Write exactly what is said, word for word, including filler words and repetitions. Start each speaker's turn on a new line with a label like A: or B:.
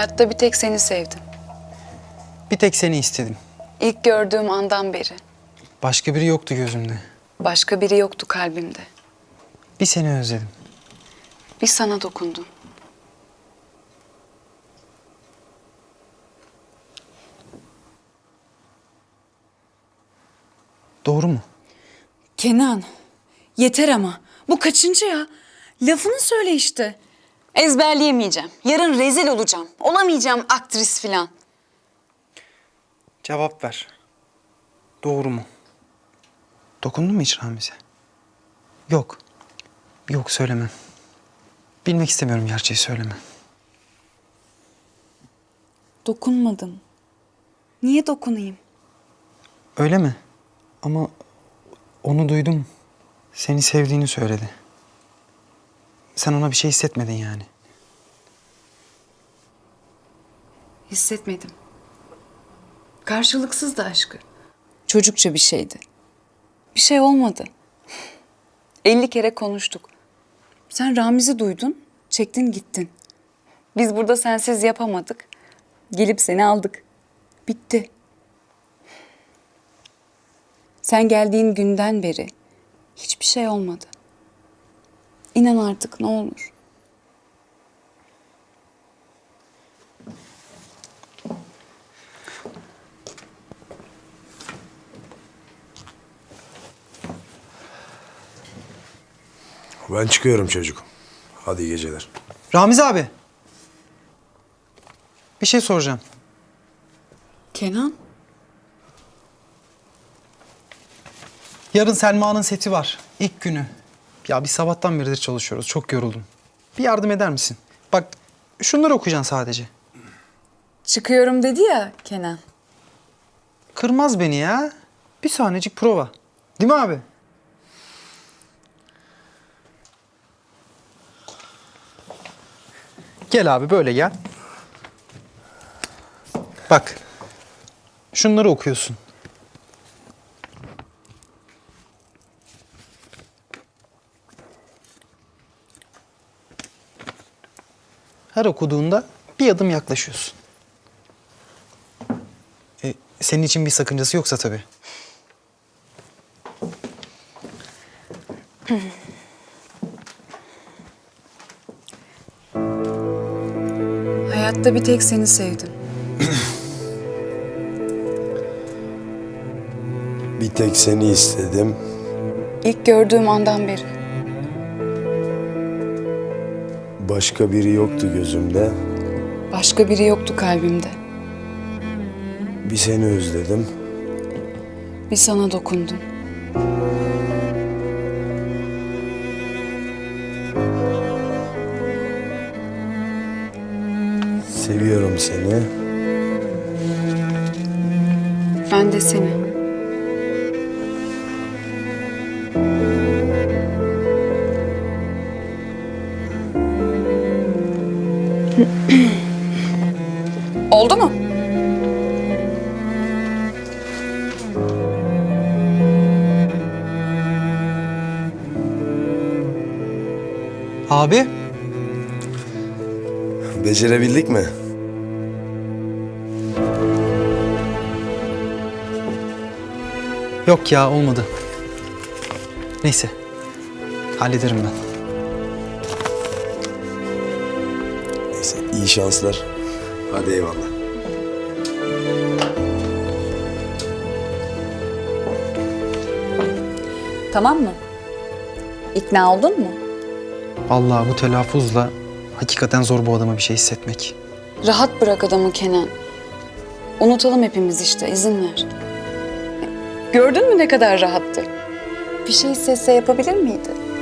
A: Hayatta bir tek seni sevdim.
B: Bir tek seni istedim.
A: İlk gördüğüm andan beri.
B: Başka biri yoktu gözümde.
A: Başka biri yoktu kalbimde.
B: Bir seni özledim.
A: Bir sana dokundum.
B: Doğru mu?
A: Kenan, yeter ama. Bu kaçıncı ya? Lafını söyle işte. Ezberleyemeyeceğim. Yarın rezil olacağım. Olamayacağım aktris filan.
B: Cevap ver. Doğru mu? Dokundun mu hiç Ramiz'e? Yok. Yok söylemem. Bilmek istemiyorum, gerçeği söyleme.
A: Dokunmadım. Niye dokunayım?
B: Öyle mi? Ama onu duydum. Seni sevdiğini söyledi. Sen ona bir şey hissetmedin yani.
A: Hissetmedim. Karşılıksızdı aşkı. Çocukça bir şeydi. Bir şey olmadı. Elli kere konuştuk. Sen Ramiz'i duydun, çektin gittin. Biz burada sensiz yapamadık. Gelip seni aldık. Bitti. Sen geldiğin günden beri hiçbir şey olmadı. İnan artık ne olur.
C: Ben çıkıyorum çocuk. Hadi iyi geceler.
B: Ramiz abi. Bir şey soracağım.
A: Kenan?
B: Yarın Selma'nın seti var. İlk günü. Ya biz sabahtan beridir çalışıyoruz. Çok yoruldum. Bir yardım eder misin? Bak şunları okuyacaksın sadece.
A: Çıkıyorum dedi ya Kenan.
B: Kırmaz beni ya. Bir saniyecik prova. Değil mi abi? Gel abi böyle gel. Bak. Şunları okuyorsun. Her okuduğunda bir adım yaklaşıyorsun. E, senin için bir sakıncası yoksa tabii.
A: Hayatta bir tek seni sevdim.
C: Bir tek seni istedim.
A: İlk gördüğüm andan beri.
C: Başka biri yoktu gözümde.
A: Başka biri yoktu kalbimde.
C: Bir seni özledim.
A: Bir sana dokundum.
C: Seviyorum seni.
A: Ben de seni. Oldu mu?
B: Abi.
C: Becerebildik mi?
B: Yok ya, olmadı. Neyse. Hallederim ben.
C: Neyse iyi şanslar. Hadi eyvallah.
A: Tamam mı? İkna oldun mu?
B: Vallahi bu telaffuzla hakikaten zor bu adama bir şey hissetmek.
A: Rahat bırak adamı Kenan. Unutalım hepimiz işte, izin ver. Gördün mü ne kadar rahattı? Bir şey hissetse yapabilir miydi?